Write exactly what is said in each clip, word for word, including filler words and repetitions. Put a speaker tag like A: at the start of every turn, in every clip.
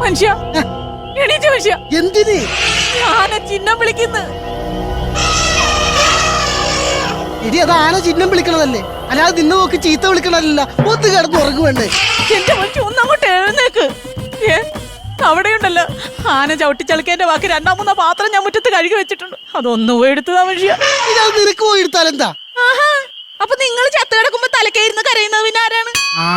A: മനുഷ്യ എണീച്ച മനുഷ്യ.
B: എന്തിന്?
A: ആന ചിഹ്നം വിളിക്കുന്നു.
B: എടി അത് ആന ചിഹ്നം വിളിക്കണതല്ലേ, അല്ലാതെ നിന്നെ നോക്കി ചീത്ത വിളിക്കണതല്ല. ഒന്ന് കിടന്ന് ഉറങ്ങുവേണ്ടേ?
A: എന്റെ മനുഷ്യ ഒന്നങ്ങോട്ട് എഴുന്നേക്ക്. ഏ അവിടെയുണ്ടല്ലോ ആന ചവിട്ടിച്ചളിക്കേന്റെ ബാക്കി രണ്ടാം മൂന്നാ പാത്രം ഞാൻ മുറ്റത്ത് കഴുകി വെച്ചിട്ടുണ്ട്. അതൊന്നും പോയി എടുത്തതാ മനുഷ്യ.
B: ഇത് നിനക്ക് പോയി എടുത്താലെന്താ?
A: ആഹാ, അപ്പൊ നിങ്ങൾ ചത്ത് കിടക്കുമ്പോ തലക്കേരുന്ന് കരയുന്നത് പിന്നെ ആരാണ്?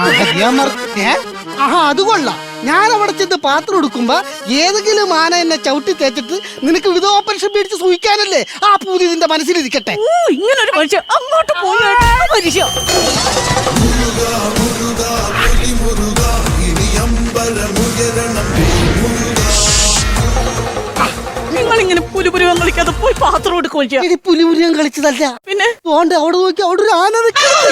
B: ആഹാ അത് കൊള്ളാം. ഞാൻ അവിടെ ചെന്ന് പാത്രം എടുക്കുമ്പോ ഏതെങ്കിലും ആന എന്നെ ചവിട്ടി തേച്ചിട്ട് നിനക്ക് വിധോപരിഷം പേടിച്ച് സൂഹിക്കാനല്ലേ ആ പൂതി നിന്റെ മനസ്സിലിരിക്കട്ടെ.
A: ഓ ഇങ്ങനൊരു മനുഷ്യ അങ്ങോട്ട് പോയി മനുഷ്യ. നിങ്ങളിങ്ങനെ പുലിപുരുവം കളിക്കാതെ പോയി പാത്രം എടുക്കും.
B: ഇനി പുലിപുരിയം കളിച്ചതല്ല,
A: പിന്നെ
B: തോണ്ട് അവിടെ നോക്കി അവിടെ ഒരു ആന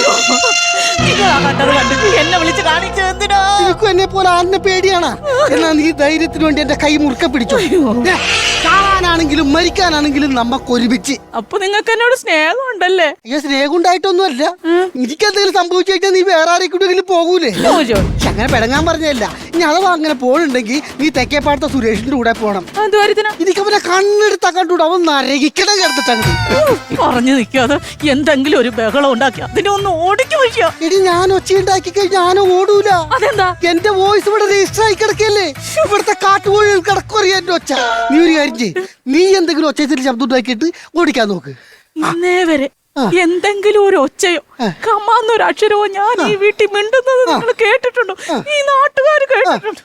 A: കണ്ടത് കണ്ടിട്ട് എന്നെ വിളിച്ച് കാണിച്ചു എന്തിനാ?
B: നിനക്കും എന്നെ പോലെ ആനനെ പേടിയാണ്. എന്നാ നീ ധൈര്യത്തിന് വേണ്ടി എന്റെ കൈ മുറുക്ക പിടിച്ചോ. കാണാനാണെങ്കിലും മരിക്കാനാണെങ്കിലും നമ്മക്ക് ഒരുമിച്ച്.
A: അപ്പൊ നിങ്ങൾക്ക് എന്നോട് സ്നേഹം ഉണ്ടല്ലേ?
B: അയ്യോ സ്നേഹം ഉണ്ടായിട്ടൊന്നുമല്ല. എനിക്ക് എന്തെങ്കിലും സംഭവിച്ചു കഴിഞ്ഞാൽ നീ വേറെ ആരെങ്കിലും പോകൂലേ? അങ്ങനെ പെടങ്ങാൻ പറഞ്ഞല്ല. ഇനി അഥവാ അങ്ങനെ പോകണുണ്ടെങ്കിൽ നീ തെക്കേപ്പാടത്തെ സുരേഷിന്റെ കൂടെ പോണം. എനിക്ക് അവനെ കണ്ണെടുത്താ കണ്ടൂടെ, അവൻ നരകിക്കണം കിടത്തിട്ടുണ്ട്.
A: പറഞ്ഞു നിൽക്കാതെ എന്തെങ്കിലും ഒരു ബഹളം ഉണ്ടാക്കി അതിനെ ഒന്ന് ഓടിച്ചു വയ്ക്കുക.
B: എടി ഞാൻ ഒച്ച ഉണ്ടാക്കി കഴിഞ്ഞാൽ ഞാൻ ഓടൂല.
A: അതെന്താ?
B: എന്റെ വോയിസ് ഇവിടെ രജിസ്റ്റർ ആയി കിടക്കല്ലേ. ഇവിടുത്തെ കാട്ടുകോഴി കിടക്കുറിയ എന്റെ ഒച്ച. നീ ഒരു കാര്യം ചെയ്യ്, നീ എന്തെങ്കിലും ഒച്ചത്തിൽ ശബ്ദം ഉണ്ടാക്കിയിട്ട് ഓടിക്കാൻ നോക്ക്.
A: ഇന്നേ വരെ എന്തെങ്കിലും ഒരു ഒച്ചയോ കമാന്നൊരു അക്ഷരമോ ഞാൻ ഈ വീട്ടിൽ മിണ്ടുന്നത് നിങ്ങൾ കേട്ടിട്ടുണ്ടോ? ഈ നാട്ടുകാർ കേട്ടിട്ടുണ്ടോ?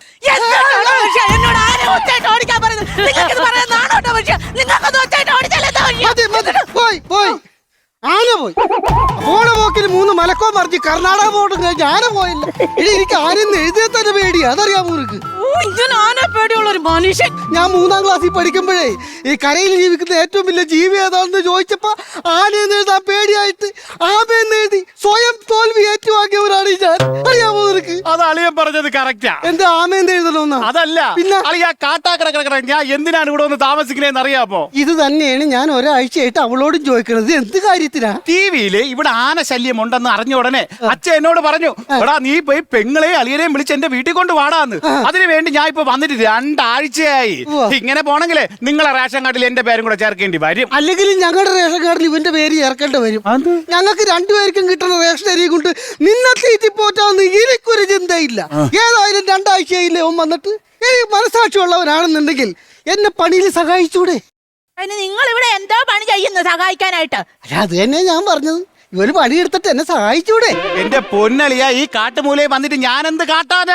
A: എന്നോട് ആരെ ഒച്ചയായിട്ട് ഓടിക്കാൻ പറയുന്നത്? നിങ്ങൾക്ക് പറയാൻ നാണോട്ടോ മനുഷ്യ? നിങ്ങൾക്കൊന്ന് ഒച്ചയായിട്ട് ഓടിച്ചാലേ
B: പോയി പോയി ആന പോയി. പോണ പോക്കിൽ മൂന്ന് മലക്കോ മറിഞ്ഞ് കർണാടക പോട്ടും കഴിഞ്ഞ് ആന പോയില്ല. ഇനി എനിക്ക് ആനെന്ന് എഴുതിയ തന്നെ പേടിയാ, അതറിയാമോ നിനക്ക്?
A: ആന പേടിയുള്ള ഒരു മനുഷ്യൻ.
B: ഞാൻ മൂന്നാം ക്ലാസ്സിൽ പഠിക്കുമ്പോഴേ ഈ കരയിൽ ജീവിക്കുന്ന ഏറ്റവും വലിയ ജീവി ഏതാണെന്ന് ചോദിച്ചപ്പോ ആനയെന്ന് എഴുതാൻ പേടിയായിട്ട് ആമയെന്ന് എഴുതി സ്വയം തോൽവി ഏറ്റുവാങ്ങിയവരാണ് ഞാൻ, അറിയാമോ നിനക്ക്?
C: അത് അളിയൻ പറഞ്ഞത് കറക്റ്റാ.
B: എന്താ ആമയെന്ന് എഴുതണമെന്ന്?
C: അതല്ല,
B: പിന്നെ
C: അളിയാ കാട്ടാക്കട ഞാൻ എന്തിനാണ് ഇവിടെ ഒന്ന് താമസിക്കണേന്ന് അറിയാമോ?
B: ഇത് തന്നെയാണ് ഞാൻ ഒരാഴ്ചയായിട്ട് അവളോടും ചോദിക്കണത്. എന്ത് കാര്യത്തിനാ?
C: ടി വിയില് ഇവിടെ ആന ശല്യം ഉണ്ടെന്ന് അറിഞ്ഞ ഉടനെ അച്ഛൻ എന്നോട് പറഞ്ഞു, എടാ നീ പോയി പെങ്ങളെയും അളിയനെയും വിളിച്ച് എന്റെ വീട്ടിൽ കൊണ്ട് വാടാന്ന്. അതിനു വേണ്ടി ഞാൻ ഇപ്പൊ വന്നിട്ട് രണ്ടാഴ്ചയായി. ഇങ്ങനെ പോണെങ്കിലേ നിങ്ങളെ റേഷൻ കാർഡിൽ എന്റെ പേരും കൂടെ ചേർക്കേണ്ടി വരും.
B: അല്ലെങ്കിൽ ഞങ്ങളുടെ റേഷൻ കാർഡിൽ ഇവന്റെ പേര് ചേർക്കേണ്ടി വരും. ഞങ്ങൾക്ക് രണ്ടുപേർക്കും കിട്ടുന്ന റേഷൻ അരി കൊണ്ട് നിന്നെ തീറ്റി പോറ്റാന്ന് എനിക്കൊരു ചിന്തയില്ല. ഏതായാലും രണ്ടാഴ്ചയായില്ലേ ഓൻ വന്നിട്ട്. എനിക്ക് മനസ്സാക്ഷിയുള്ളവനാണെന്നുണ്ടെങ്കിൽ എന്നെ പണിയിൽ സഹായിച്ചൂടെ?
A: നിങ്ങൾ ഇവിടെ എന്താ പണി ചെയ്യുന്നത് സഹായിക്കാനായിട്ട്?
B: അത് തന്നെ ഞാൻ പറഞ്ഞത്, ഇവര് പണിയെടുത്തിട്ട് എന്നെ സഹായിച്ചൂടെ?
C: എന്റെ പൊന്നളിയാ, ഈ കാട്ടുമൂലയിൽ വന്നിട്ട് ഞാൻ എന്ത് കാട്ടാനാ?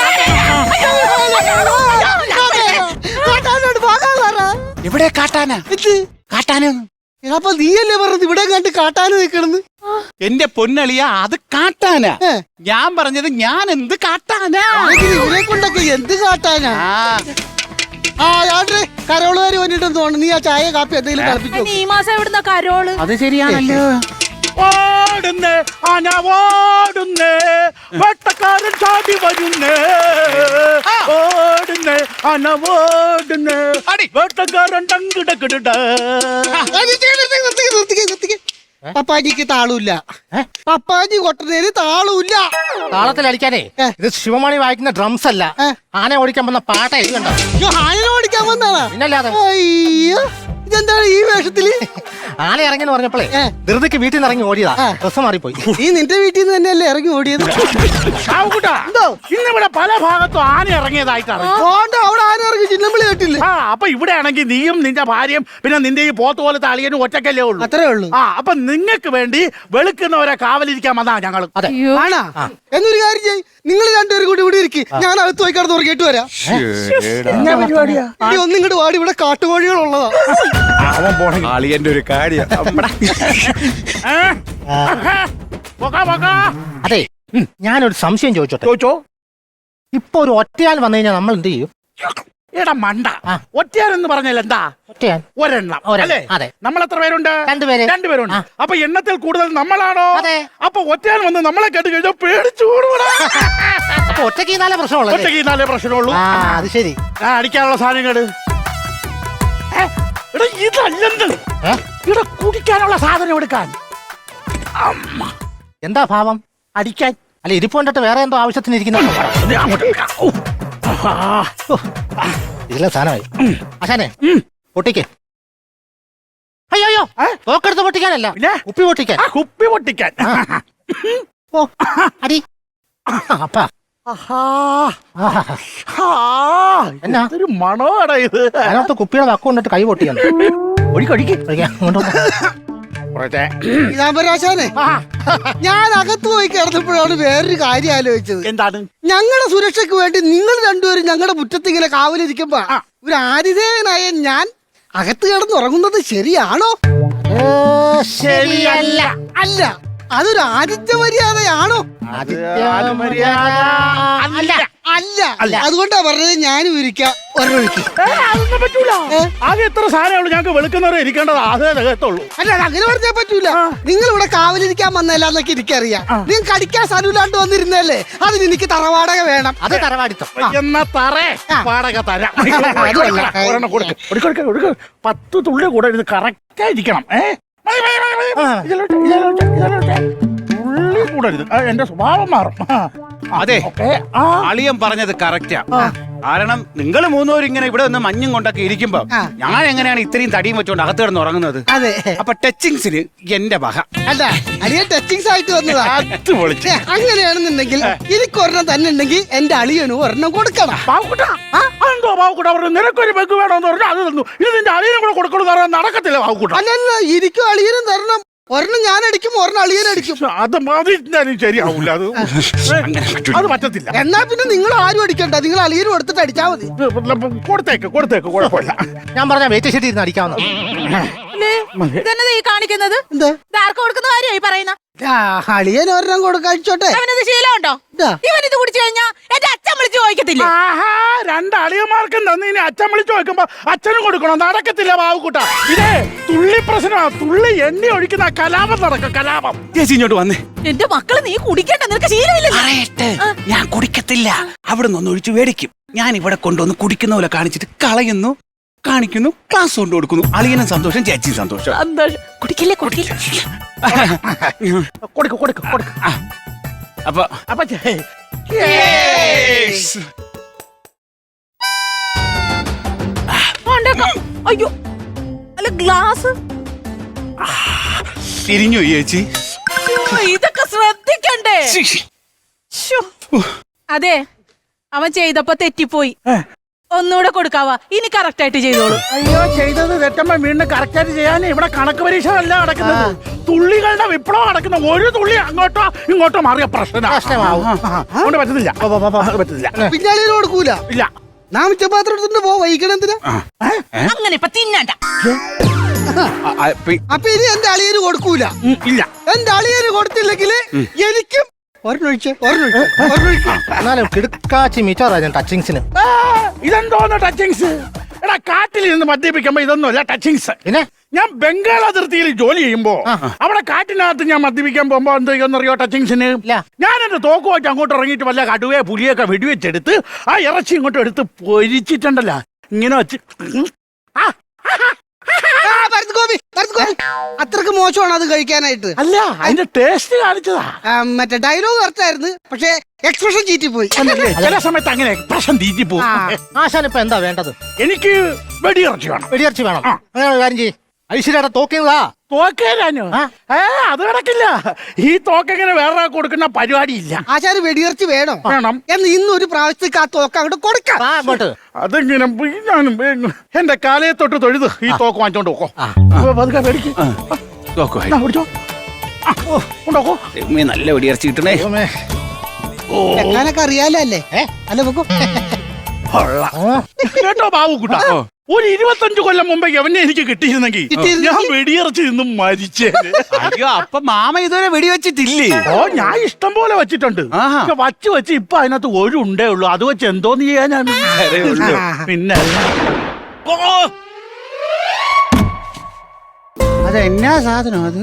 C: ഇവിടെ കാട്ടാനാ കാട്ടാനോ?
B: അപ്പൊ നീയല്ലേ പറഞ്ഞത് ഇവിടെ കണ്ട് കാട്ടാന് നിൽക്കണെന്ന്?
C: എന്റെ പൊന്നളിയാ, അത് കാട്ടാനാ. ഞാൻ പറഞ്ഞത് ഞാൻ എന്ത് കാട്ടാനാ?
B: ഇവരെ കൊണ്ടൊക്കെ എന്ത് കാട്ടാനാ? ആ യാത്രേ കരോളുകാര് വന്നിട്ടെന്ന് തോന്നുന്നു. നീ ആ ചായ കാപ്പി എന്തെങ്കിലും കളിപ്പിച്ചു.
A: ഈ മാസം എവിടുന്ന കരോള്?
C: അത് ശരിയാണല്ലോ. ഓടുന്നേ ആന ഓടുന്നേ, വെട്ടക്കാരൻ ചാടി വരുന്നേ. ഓടുന്നേ ആന ഓടുന്നേ, വെട്ടക്കാരൻ ടങ്കിടക്കിട.
B: പപ്പാജിക്ക് താളൂല്ല. പപ്പാജി കൊട്ടനേര് താളൂല്ല.
D: താളത്തിൽ അടിക്കാനേ ഇത് ശിവമണി വായിക്കുന്ന ഡ്രംസ് അല്ല, ആന ഓടിക്കാൻ വന്ന പാട്ട ഇത് കണ്ടോ?
B: ആന ഓടിക്കാൻ വന്നാണ്.
D: പിന്നല്ലാതെ.
B: അയ്യോ ഇതെന്താണ് ഈ വേഷത്തില്?
D: ആന ഇറങ്ങിന്ന് പറഞ്ഞപ്പോഴേ ധൃതിക്ക് വീട്ടിൽ നിന്ന് ഇറങ്ങി ഓടിയതാ. ഡ്രസ് മാറിപ്പോയി.
B: നീ നിന്റെ വീട്ടിൽ നിന്ന് തന്നെയല്ലേ ഇറങ്ങി ഓടിയത്?
C: ഇന്നിവിടെ പല ഭാഗത്തും ആന ഇറങ്ങിയതായിട്ടാണ്.
B: അവിടെ ആന ഇറങ്ങി ചിന്നമ്പിളി കേട്ടില്ലേ?
C: ആ അപ്പൊ ഇവിടെ ആണെങ്കിൽ നീയും നിന്റെ ഭാര്യയും പിന്നെ നിന്റെ ഈ പോത്ത് പോലത്തെ അളിയനും ഒറ്റക്കല്ലേ ഉള്ളൂ.
B: അത്രേ ഉള്ളൂ.
C: ആ അപ്പൊ നിങ്ങൾക്ക് വേണ്ടി വെളുക്കുന്നവരെ കാവലിരിക്കാൻ വന്നാ ഞങ്ങൾ.
B: ആണാ എന്നൊരു കാര്യം ചെയ്യ്, നിങ്ങൾ രണ്ടുപേരും കൂടി ഇവിടെ ഇരിക്കും, ഞാൻ അകത്ത് പോയി കിടന്ന് ഉറങ്ങിയിട്ട് വരാം. ഒന്നും ഇങ്ങോട്ട് വാടി, ഇവിടെ കാട്ടുകോഴികളുള്ളതാ.
C: അളിയന്റെ ഒരു കാര്യം.
D: അതെ, ഞാനൊരു സംശയം ചോദിച്ചോട്ടെ?
C: ചോദിച്ചോ.
D: ഇപ്പൊ ഒരു ഒറ്റയാൾ വന്നു കഴിഞ്ഞാൽ നമ്മൾ എന്ത് ചെയ്യും?
C: എടാ മണ്ട, ഒറ്റയാൻ എന്ന് പറഞ്ഞാൽ എന്താ?
D: ഒറ്റയാൻ
C: ഒരെണ്ണം അല്ലേ?
D: അതെ.
C: നമ്മൾ എത്ര പേരുണ്ട്?
D: രണ്ടുപേര്.
C: രണ്ടുപേരുണ്ട്. അപ്പൊ എണ്ണത്തിൽ കൂടുതൽ നമ്മളാണോ?
D: അതെ.
C: അപ്പൊ ഒറ്റയാൻ വന്ന് നമ്മളെ കേട്ട് കഴിഞ്ഞാൽ പേടിച്ചു കൂടുകൂടാ.
D: അപ്പൊ ഒറ്റയ്ക്ക് നാലേ പ്രശ്നമുള്ളൂ.
C: ഒറ്റയ്ക്ക് നാലേ പ്രശ്നമുള്ളൂ.
D: അത് ശരി.
C: അടിക്കാനുള്ള സാധനങ്ങള് എടാ ഇതല്ലെന്ന്. ഇവിടെ കുടിക്കാനുള്ള സാധനം എടുക്കാൻ.
D: എന്താ ഭാവം?
C: അടിക്കാൻ.
D: അല്ല ഇരിപ്പ് കണ്ടിട്ട് വേറെ എന്തോ ആവശ്യത്തിന് ഇരിക്കുന്ന. ഇതിലെ സാധനമായി ആശാനെ പൊട്ടിക്കേ. അയ്യോ അയ്യോ തോക്കെടുത്ത് പൊട്ടിക്കാനല്ല,
C: പിന്നെ?
D: കുപ്പി പൊട്ടിക്കാൻ.
C: ആ, കുപ്പി പൊട്ടിക്കാൻ.
D: ഓ അടി അപ്പാ. എന്നാ?
C: ഒരു മണോടാ ഇത്.
D: അതിനകത്ത് കുപ്പിയുടെ വക്കം കൊണ്ടിട്ട് കൈ പൊട്ടിക്കാൻ.
C: ഒഴിക്കൊഴിക്ക്.
B: രാമരാശാനെ, ഞാൻ അകത്ത് പോയി കിടന്നപ്പോഴാണ് വേറൊരു കാര്യം ആലോചിച്ചത്.
C: എന്താണ്?
B: ഞങ്ങളുടെ സുരക്ഷയ്ക്ക് വേണ്ടി നിങ്ങൾ രണ്ടുപേരും ഞങ്ങളുടെ മുറ്റത്ത് ഇങ്ങനെ കാവലിരിക്കുമ്പോ ഒരു ആതിഥേയനായ ഞാൻ അകത്ത് കിടന്നുറങ്ങുന്നത് ശരിയാണോ?
D: ശരിയല്ല.
B: അല്ല, അതൊരു ആതിഥ്യ മര്യാദയാണോ?
D: അല്ല
B: അല്ല, അതുകൊണ്ടാ പറഞ്ഞത് ഞാനും ഇരിക്കാം ഒരൊഴുക്കി.
C: അതൊന്നും പറ്റൂല. ആകെ എത്ര സാധനമുള്ളൂ ഞങ്ങൾക്ക് വെളുക്കുന്നവരെ ഇരിക്കേണ്ടത് അതേ രകത്തുള്ളൂ.
B: അല്ല, അത് അങ്ങനെ പറഞ്ഞാൽ പറ്റൂല. നിങ്ങൾ ഇവിടെ കാവലിരിക്കാൻ വന്നല്ലാന്നൊക്കെ എനിക്കറിയാം. നിങ്ങൾക്ക് അടിക്കാൻ സ്ഥലമില്ലാണ്ട് വന്നിരുന്നല്ലേ, അതിന് എനിക്ക് തറവാടക വേണം.
D: അത് തറവാടിത്തം.
C: എന്നാ തറേ വാടക തരാം.
B: അതുമല്ല.
C: ഒരെണ്ണം കൊടുക്ക്. കൊടുക്ക്, കൊടുക്ക്, കൊടുക്ക്. പത്ത് തുള്ളി കൂടെ ഇത് കറക്റ്റ് ആയിരിക്കണം. ഏ മതി, മതി, മതി, മതി. ഇതിലോട്ട്, ഇതിലോട്ട്, ഇതിലോട്ട്. തുള്ളി കൂടരുത്. ആ, എന്റെ സ്വഭാവം മാറും. ആ.
E: അതെ,
C: ഓക്കേ. ആ.
E: അളിയൻ പറഞ്ഞത് കറക്റ്റാ. കാരണം നിങ്ങൾ മൂന്നുപേരും ഇങ്ങനെ ഇവിടെ നിന്ന് മഞ്ഞും കൊണ്ടൊക്കെ ഇരിക്കുമ്പോ
B: ആ.
E: ഞാൻ എങ്ങനെയാണ് ഇത്രയും തടിയും വെച്ചോണ്ട് അകത്ത് കിടന്ന് ഉറങ്ങുന്നത്?
B: അതെ.
E: അപ്പൊ ടച്ചിങ്സിന് എന്റെ വക.
B: അല്ല, അളിയൻ ടച്ചിങ്സ് ആയിട്ട് വന്നതാ.
E: അത് പൊളിച്ച്.
B: ഛെ, അങ്ങനെയാണെന്നുണ്ടെങ്കിൽ എനിക്ക് ഒരെണ്ണം തന്നെ ഉണ്ടെങ്കിൽ എന്റെ അളിയനും ഒരെണ്ണം കൊടുക്കണം.
C: പാവക്കുട്ടാ. എന്തോ പാവക്കുട്ട പറഞ്ഞു നിനക്കൊരു ബെഗ് വേണമെന്ന് പറഞ്ഞു അത് തന്നു. ഇത് നിന്റെ അളിയനും കൂടെ കൊടുക്കണമെന്ന് പറഞ്ഞാൽ നടക്കത്തില്ല പാവക്കുട്ട.
B: അല്ലല്ല, എനിക്കും അളിയനും തരണം. ഒരെണ്ണം ഞാൻ അടിക്കും, ഒരെണ്ണം അളിയൻ അടിക്കും.
C: അത് മതി, ഞാനും ശരിയാവൂല. അത്
E: അങ്ങനെ പറ്റൂല.
C: അത് പറ്റത്തില്ല.
B: എന്നാ പിന്നെ നിങ്ങൾ ആരും അടിക്കണ്ട, നിങ്ങൾ അളിയനും എടുത്തിട്ട് അടിച്ചാ മതി.
C: കൊടുത്തേക്ക് കൊടുത്തേക്ക് കുഴപ്പമില്ല.
D: ഞാൻ പറഞ്ഞ വെയിറ്റ് ഷീറ്റ് ഇരുന്ന് അടിക്കാവുന്ന.
A: ഇതെന്നത് ഈ കാണിക്കുന്നത്?
B: എന്താ?
A: ഇത് ആർക്ക് കൊടുക്കുന്ന കാര്യമായി പറയുന്ന?
B: ആ, അളിയൻ ഒരെണ്ണം കൊടുക്കഴിച്ചോട്ടെ.
A: അവനത് ശീലമുണ്ടോ?
B: ഇതാ.
A: ഇവൻ ഇത് കുടിച്ചു കഴിഞ്ഞാ എന്റെ അച്ഛൻ വിളിച്ചു ചോദിക്കത്തില്ലേ?
C: ആഹാ, രണ്ട് അളിയന്മാർക്കും തന്നു. ഇനി അച്ഛൻ വിളിച്ചു നോക്കുമ്പോ അച്ഛനും കൊടുക്കണം. നടക്കത്തില്ല ബാബുക്കുട്ട. ഇതേ തുള്ളി പ്രശ്നമാ. തുള്ളി എണ്ണി ഒഴിക്കുന്ന കലാപം നടക്കും. കലാപം.
E: ചേച്ചി ഇങ്ങോട്ട് വന്നേ.
A: എന്റെ മക്കള് നീ കുടിക്കണ്ട, നിനക്ക് ശീലമില്ല.
E: പറയട്ടെ, ഞാൻ കുടിക്കത്തില്ല. അവിടെ നിന്ന് ഒഴിച്ച് മേടിക്കും. ഞാൻ ഇവിടെ കൊണ്ടുവന്ന് കുടിക്കുന്ന പോലെ കാണിച്ചിട്ട് കളയുന്നു, കാണിക്കുന്നു, ക്ലാസ് കൊണ്ട് കൊടുക്കുന്നു. അളിയനും സന്തോഷം, ചേച്ചിയും സന്തോഷം.
A: സന്തോഷം. കുടിക്കില്ലേ കുടിക്കില്ല.
C: കൊടുക്ക് കൊടുക്ക് കൊടുക്ക്.
E: ആ, അപ്പൊ
C: അപ്പൊ ചേ-
A: കൊണ്ടേക്കാം. അയ്യോ, അല്ല ഗ്ലാസ്.
E: തിരിഞ്ഞു ചേച്ചി.
A: ശ്ശോ, ഇതൊക്കെ ശ്രദ്ധിക്കണ്ടേ? ശ്ശോ. അതെ, അവൻ ചെയ്തപ്പോ തെറ്റിപ്പോയി. ഒന്നുകൂടെ കൊടുക്കാവാ, ഇനി കറക്റ്റ് ആയിട്ട് ചെയ്തോളൂ.
C: അയ്യോ, ചെയ്തത് തെറ്റമ്മ വീണ്ടും കറക്റ്റ് ചെയ്യാൻ ഇവിടെ കണക്ക് പരീക്ഷ അല്ല നടക്കുന്നത്. തുള്ളികളുടെ വിപ്ലവം നടക്കുന്ന. ഒരു തുള്ളി അങ്ങോട്ടോ ഇങ്ങോട്ടോ മാറിയ പ്രശ്നം
D: പ്രശ്നമാവും.
C: അതുകൊണ്ട് പറ്റത്തില്ല. അത് പറ്റത്തില്ല.
B: പിന്നെ അളിയന് കൊടുക്കൂല.
C: ഇല്ല.
B: നാം മിച്ചപാത്രം എടുത്തിട്ട് പോ, വൈകണം എന്തിനാ?
A: അങ്ങനെ ഇപ്പൊ തിന്നണ്ട.
E: ആ, ആ, പി-
B: അപ്പൊ ഇനി എന്റെ അളിയന് കൊടുക്കൂല.
C: ഉം, ഇല്ല.
B: എന്റെ അളിയന് കൊടുത്തില്ലെങ്കിൽ എനിക്കും ഒരെണ്ണൊഴിച്ച് ഒരെണ്ണൊഴിച്ച് ഒരെണ്ണൊഴിച്ച്.
D: എന്നാലും കിടുക്കാച്ചി മീറ്ററാ ഞാൻ ടച്ചിങ്സിന്.
C: ആ, ഇതെന്തോന്ന് ടച്ചിങ്സ്? എടാ, കാട്ടിൽ നിന്ന് മദ്യപിക്കുമ്പോ ഇതൊന്നുമല്ല ടച്ചിങ്സ്.
D: പിന്നെ
C: ഞാൻ ബംഗാൾ അതിർത്തിയിൽ ജോലി ചെയ്യുമ്പോ അവിടെ കാട്ടിനകത്ത് ഞാൻ മദ്യപിക്കാൻ പോകുമ്പോ എന്ത് ചെയ്യുന്നറിയോ ടച്ചിങ്സിന്?
D: ഇല്ല.
C: ഞാൻ എന്റെ തോക്ക് വെച്ച് അങ്ങോട്ട് ഇറങ്ങിയിട്ട് വല്ല കടുവയെ പുലിയൊക്കെ വെടിവെച്ചെടുത്ത് ആ ഇറച്ചി ഇങ്ങോട്ട് എടുത്ത് പൊരിച്ചിട്ടുണ്ടല്ലോ, ഇങ്ങനെ വെച്ച് ആ,
B: ആ, ഭരത് ഗോപി, ഭരത് ഗോപി. അത്രക്ക് മോശമാണ് അത് കഴിക്കാനായിട്ട്.
C: അല്ല, അതിന്റെ ടേസ്റ്റ് കാണിച്ചതാ.
B: ആ, മറ്റേ ഡയലോഗ് കറക്റ്റായിരുന്നു, പക്ഷെ എക്സ്പ്രഷൻ ചീറ്റിപ്പോയി.
C: ചില സമയത്ത് അങ്ങനെ പ്രശ്നം തീറ്റി പോകും.
D: ആശാൻ ഇപ്പൊ എന്താ വേണ്ടത്?
C: എനിക്ക് വെടിയിറച്ചി വേണം.
D: വെടിയിറച്ചി വേണം.
C: ആ.
D: അങ്ങനെ ഒരു കാര്യം ചെയ്യ്, ഐശ്വര്യയുടെ തോക്കിയതാ.
C: തോക്കേരാനോ?
D: ആ.
C: ഏ, അത് നടക്കില്ല. ഈ തോക്കെങ്ങനെ വേറെ കൊടുക്കുന്ന പരിപാടിയില്ല.
B: ആശാന് വെടിയിറച്ചി വേണം.
C: വേണം.
B: എന്ന് ഇന്ന് ഒരു പ്രാവശ്യത്തേക്ക് ആ തോക്ക് അങ്ങോട്ട് കൊടുക്കാം.
D: ആ അങ്ങോട്ട്.
C: അതിങ്ങനെ പോയി ഞാനും വേഗം എന്റെ കാലയെ തൊട്ട് തൊഴുത് ഈ തോക്ക് വാങ്ങിച്ചോണ്ട് പോക്കോ. അപ്പൊ പതുക്കെ മേടിക്ക്.
E: തോക്കുമായി.
C: എന്നാ പിടിച്ചോ. ആ, ഓ, കൊണ്ടുപോക്കോ.
E: ദൈവമേ, നല്ല വെടിയിറച്ചി കിട്ടണേ.
D: ദൈവമേ.
B: വെക്കാനൊക്കെ അറിയാലോ അല്ലേ?
D: ഏ?
B: അല്ല വെക്കോ.
C: കേട്ടോ ബാബുക്കുട്ട, ഒരു ഇരുപത്തഞ്ചു കൊല്ലം മുമ്പേ എവനെ എനിക്ക് കിട്ടിയിരുന്നെങ്കിൽ
B: കിട്ടിയിരുന്നെങ്കിൽ?
C: ഞാൻ വെടിയിറച്ചി നിന്നും മരിച്ചേന്.
E: അയ്യോ, അപ്പൊ മാമ ഇതുവരെ വെടിവെച്ചിട്ടില്ലേ?
C: ഓ, ഞാൻ ഇഷ്ടം പോലെ വെച്ചിട്ടുണ്ട്.
E: ആഹാ.
C: പക്ഷെ വച്ച് വെച്ച് ഇപ്പൊ അതിനകത്ത് ഒരു ഉണ്ടേ ഉള്ളൂ. അത് വെച്ച് എന്തോന്ന് ചെയ്യാനാണ്? പിന്നെ
E: ഓ, അതെന്നാ സാധനം അത്?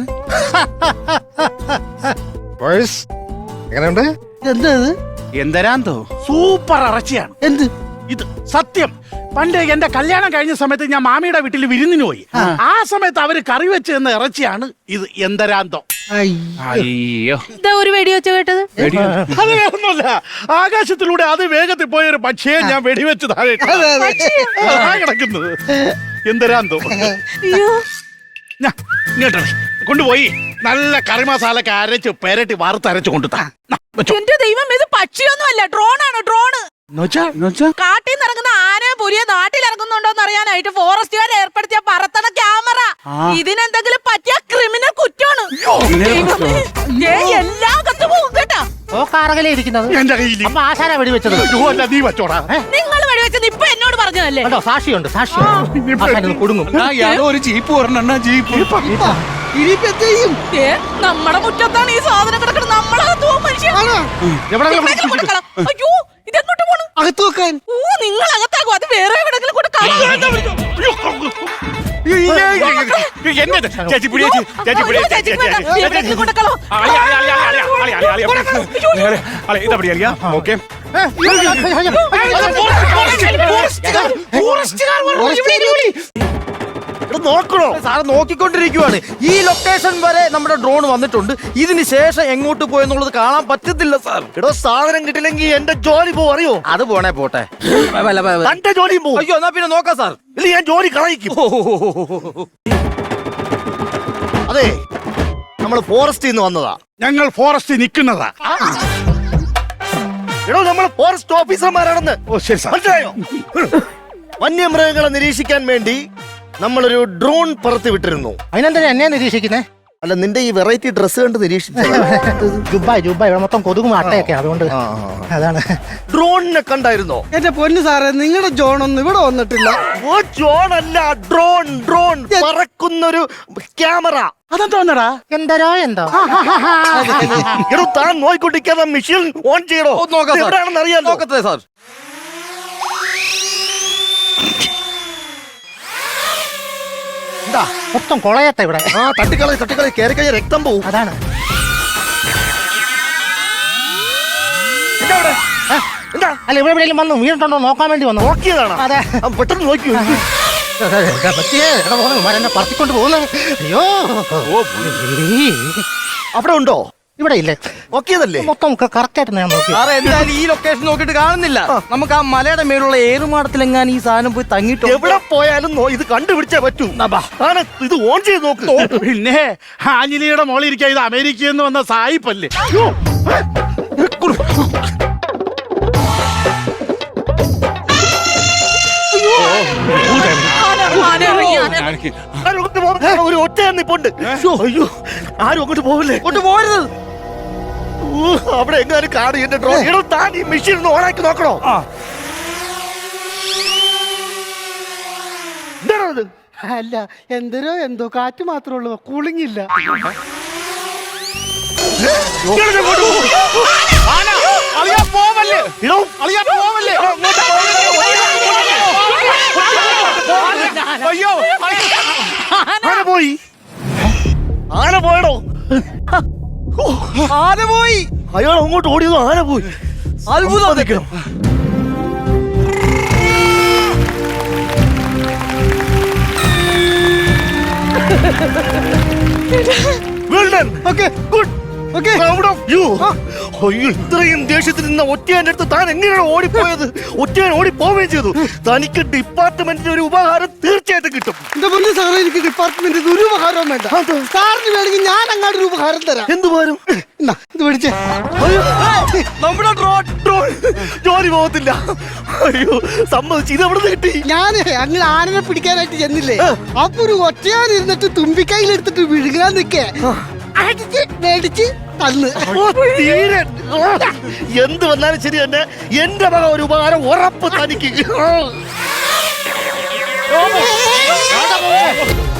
D: ബോയ്സ്, എങ്ങനെയുണ്ട്?
B: എന്താ ഇത്?
E: എന്തരാന്തോ?
C: സൂപ്പർ ഇറച്ചിയാണ്.
B: എന്ത്?
C: ഇത് സത്യം. പണ്ട് എന്റെ കല്യാണം കഴിഞ്ഞ സമയത്ത് ഞാൻ മാമിയുടെ വീട്ടിൽ വിരുന്നിന് പോയി. ആ സമയത്ത് അവര് കറി വെച്ച് തന്ന ഇറച്ചിയാണ് ഇത്. എന്തരാന്തം.
E: അയ്യോ
A: ഇതാ ഒരു വെടി വെച്ച് കേട്ടത്.
C: അത് വേറൊന്നുമല്ല, ആകാശത്തിലൂടെ അത് വേഗത്തിൽ പോയൊരു പക്ഷിയെ ഞാൻ വെടിവെച്ച് താഴെ ഇട്ടു. അതാ കിടക്കുന്നത്. എന്തരാന്തോ.
A: അയ്യോ
C: ഞാ, ഇങ്ങോട്ട് കൊണ്ടുപോയി നല്ല കറി മസാലൊക്കെ അരച്ച് പെരട്ടി വറുത്തരച്ച് കൊണ്ടു താ. നാ, വെച്ചോ.
A: എന്റെ ദൈവം, ഇത് പക്ഷിയൊന്നും അല്ല, ഡ്രോണാണ് ഡ്രോണ്.
C: എന്നുവെച്ചാ? എന്നുവെച്ചാ?
A: കാട്ടിൽ നിന്ന് ഇറങ്ങുന്ന ആനയെ പുലിയെ നാട്ടിൽ ഇറങ്ങുന്നുണ്ടോ എന്ന് അറിയാനായിട്ട് ഫോറസ്റ്റുകാർ ഏർപ്പെടുത്തിയ പറത്തണ ക്യാമറ. ഇതിനെന്തെങ്കിലും പറ്റിയ ക്രിമിനൽ കുറ്റമാണ്. ദൈവമേ, ദേ എല്ലാം കത്തുപോകും കേട്ടാ.
D: ഓ കാറകലേ ഇരിക്കുന്നത്.
C: എന്റെ കയ്യിൽ
D: അപ്പൊ ആശാരാ വെടിവെച്ചത്.
C: നീ വെച്ചോടാ.
A: നിങ്ങൾ വെടിവെച്ചത് ഇപ്പൊ എന്നോട് പറഞ്ഞതല്ലേ?
D: കണ്ടോ, സാക്ഷിയുണ്ട്, സാക്ഷിയുണ്ട്. ആശാൻ കൊടുങ്ങും.
E: ആ, യാതോ ഒരു ജീപ്പ് പറഞ്ഞ ജീപ്പ്
B: ഇനിയിപ്പോ എന്ത് ചെയ്യും?
A: ഏ, നമ്മടെ മുറ്റത്താണ് ഈ സാധനം കിടക്കുന്നത്. നമ്മളകത്ത് പോകും മനുഷ്യ. എവിടെയെങ്കിലും കൊടുക്കണം. അയ്യോ, ഇതെങ്ങോട്ട് പോണു?
B: അകത്ത് വെക്കാൻ.
A: ഓ, നിങ്ങൾ അകത്താക്കും. അത് വേറെ എവിടെങ്കിലും കൊണ്ട് കളയാം.
C: എന്നെ ചേച്ചി പിടിയെ ചേച്ചി പിടിയെ
A: എവിടെയെങ്കിലും കൊണ്ട് കളോ.
C: ഇതപ്പടി അറിയാ. ഓക്കെ
F: നോക്കണോ സാറ് നോക്കിക്കൊണ്ടിരിക്കുവാണ്. ഈ ലൊക്കേഷൻ വരെ നമ്മുടെ ഡ്രോൺ വന്നിട്ടുണ്ട്. ഇതിന് ശേഷം എങ്ങോട്ട് പോയെന്നുള്ളത് കാണാൻ പറ്റത്തില്ല സാർ. എടോ സാധനം കിട്ടില്ലെങ്കിൽ എന്റെ ജോലി പോ അറിയോ? അത് പോണേ പോട്ടെ, തന്റെ ജോലിയും പോകും. അയ്യോ എന്നാ പിന്നെ നോക്കാം സാർ, ഇല്ല ഞാൻ ജോലി കളയിക്കും. അതെ, നമ്മൾ ഫോറസ്റ്റിൽ നിന്ന് വന്നതാ.
C: ഞങ്ങൾ ഫോറസ്റ്റിൽ നിൽക്കുന്നതാ.
F: എടോ നമ്മൾ ഫോറസ്റ്റ് ഓഫീസർമാരാണെന്ന്
C: ഓ ശരി സാർ.
F: മനസ്സിലായോ? വന്യമൃഗങ്ങളെ നിരീക്ഷിക്കാൻ വേണ്ടി നമ്മളൊരു ഡ്രോൺ പറത്തി വിട്ടിരുന്നു.
D: അതിനെന്താ എന്നെ നിരീക്ഷിക്കുന്നേ?
F: അല്ല, നിന്റെ ഈ വെറൈറ്റി ഡ്രസ് കണ്ട് നിരീക്ഷിച്ചു.
D: ജുബായ് ജുബായ് ഇവിടെ മൊത്തം കൊതുകും അട്ടയൊക്കെ, അതുകൊണ്ട് അതാണ്.
F: ഡ്രോണിനെ കണ്ടായിരുന്നോ?
B: എന്റെ പൊന്നു സാറേ, നിങ്ങളുടെ ജോണൊന്നും ഇവിടെ വന്നിട്ടില്ല.
F: ഓ ജോൺ അല്ല, ഡ്രോൺ. ഡ്രോൺ പറക്കുന്നൊരു ക്യാമറ.
C: അതെന്തോന്നടാ?
D: എന്തരോ എന്തോ.
F: എടോ താൻ നോയിക്കൊണ്ടിരിക്കാതെ മെഷീൻ ഓൺ ചെയ്യണോ? എവിടെയാണെന്ന് അറിയാൻ നോക്കട്ടെ സാർ.
D: മൊത്തം കൊളയത്തെ ഇവിടെ.
F: ആ തട്ടിക്കളി തട്ടിക്കളി കയറി കഴിഞ്ഞ രക്തം പോവും.
D: അതാണ്.
F: എന്താ ഇവിടെ? ആ, എന്താ?
D: അല്ല, ഇവിടെ എവിടെയെങ്കിലും വന്നു വീണിട്ടുണ്ടോ നോക്കാൻ വേണ്ടി വന്നു.
F: നോക്കിയതാണ്.
D: അതെ.
F: ആ, പെട്ടെന്ന് നോക്കി.
D: പറ്റിയേ എവിടെ പോകുന്നു? മരെന്നെ പറത്തിക്കൊണ്ട് പോകുന്നു. അയ്യോ,
F: അവിടെ ഉണ്ടോ?
D: ഇവിടെ ഇല്ലേ?
F: നോക്കിയതല്ലേ?
D: മൊത്തം കറക്റ്റ് ആയിട്ട് ഞാൻ നോക്കി.
F: സാറേ എന്തായാലും ഈ ലൊക്കേഷൻ നോക്കിയിട്ട് കാണുന്നില്ല. നമുക്ക് ആ മലയുടെ മേലുള്ള ഏറുമാടത്തിലെങ്ങാനും ഈ സാധനം പോയി തങ്ങിട്ട് എവിടെ പോയാലും നോ- ഇത് കണ്ടുപിടിച്ചേ പറ്റൂ. സാറേ, ഇത് ഓൺ ചെയ്ത് നോക്ക്.
C: പിന്നെ ആഞ്ജലിയുടെ മോളിൽ ഇരിക്കുക. ഇത് അമേരിക്കയിൽ നിന്ന് വന്ന സായിപ്പല്ലേ?
A: ആന ഇറങ്ങി, ആന.
F: ആരും അങ്ങോട്ട് പോകരുത്. ഒരു ഒറ്റ നിപ്പുണ്ട്. അയ്യോ, ആരും അങ്ങോട്ട് പോവില്ലേ? അങ്ങോട്ട് പോകരുത്. ഊ, അവിടെ എങ്ങാനും കാണും എന്റെ ഡ്രോൺ. എടോ താൻ ഈ മെഷീൻ ഒന്ന് ഓണാക്കി നോക്കണോ? എന്താണോ ഇത്?
B: അല്ല, എന്തരോ എന്തോ കാറ്റ് മാത്രമേ ഉള്ളൂ, കൂളിങ്ങില്ല.
F: ഇയാളിത് അങ്ങോട്ട് പോ.
C: ആന! അളിയാ പോവല്ലേ?
F: എടോ,
C: അളിയാ പോവല്ലേ? അയ്യോ,
F: ആന പോയി. ആന പോയടോ. ആന പോയി. അയാൾ അങ്ങോട്ട് ഓടിയതോ ആന പോയി. അത്ഭുതം. Well done. Okay, good. Okay. Proud of you. അയ്യോ, ഇത്രയും ദേഷ്യത്തിൽ നിന്ന ഒറ്റയാന്റെ അടുത്ത് താൻ എങ്ങനെയാണ് ഓടിപ്പോയത്? ഒറ്റയാൻ ഓടിപ്പോവുകയും ചെയ്തു. തനിക്ക് ഡിപ്പാർട്ട്മെന്റിന്റെ ഒരു ഉപഹാരം തീർച്ചയായിട്ടും കിട്ടും.
B: എന്റെ പൊന്നു സാറേ, എനിക്ക് ഡിപ്പാർട്ട്മെന്റ് ഒരു ഉപകാരവും വേണ്ട. സാറിന് വേണമെങ്കിൽ ഞാൻ അങ്ങോട്ട് ഒരു ഉപകാരം തരാം.
F: എന്ത് ഉപഹാരം?
B: എന്നാ, ഇത് പിടിച്ചേ.
F: അയ്യോ, നമ്മുടെ ഡ്രോൺ ഡ്രോൺ ജോലി പോകത്തില്ല. അയ്യോ, സമ്മതിച്ചു. ഇത് എവിടെ നിന്ന് കിട്ടി?
B: ഞാനേ അങ്ങനെ ആനനെ പിടിക്കാനായിട്ട് ചെന്നില്ലേ, അപ്പൊ ഒരു ഒറ്റയാൻ ഇരുന്നിട്ട് തുമ്പിക്കൈയിലെടുത്തിട്ട് വിഴുകാൻ നിക്കേ, അടിച്ച് മേടിച്ച് തന്ന്.
F: ഓ, തീരെ. ഓ, എന്ത് വന്നാലും ശരി തന്നെ എന്റെ മക ഒരു ഉപകാരം ഉറപ്പ് തനിക്ക്.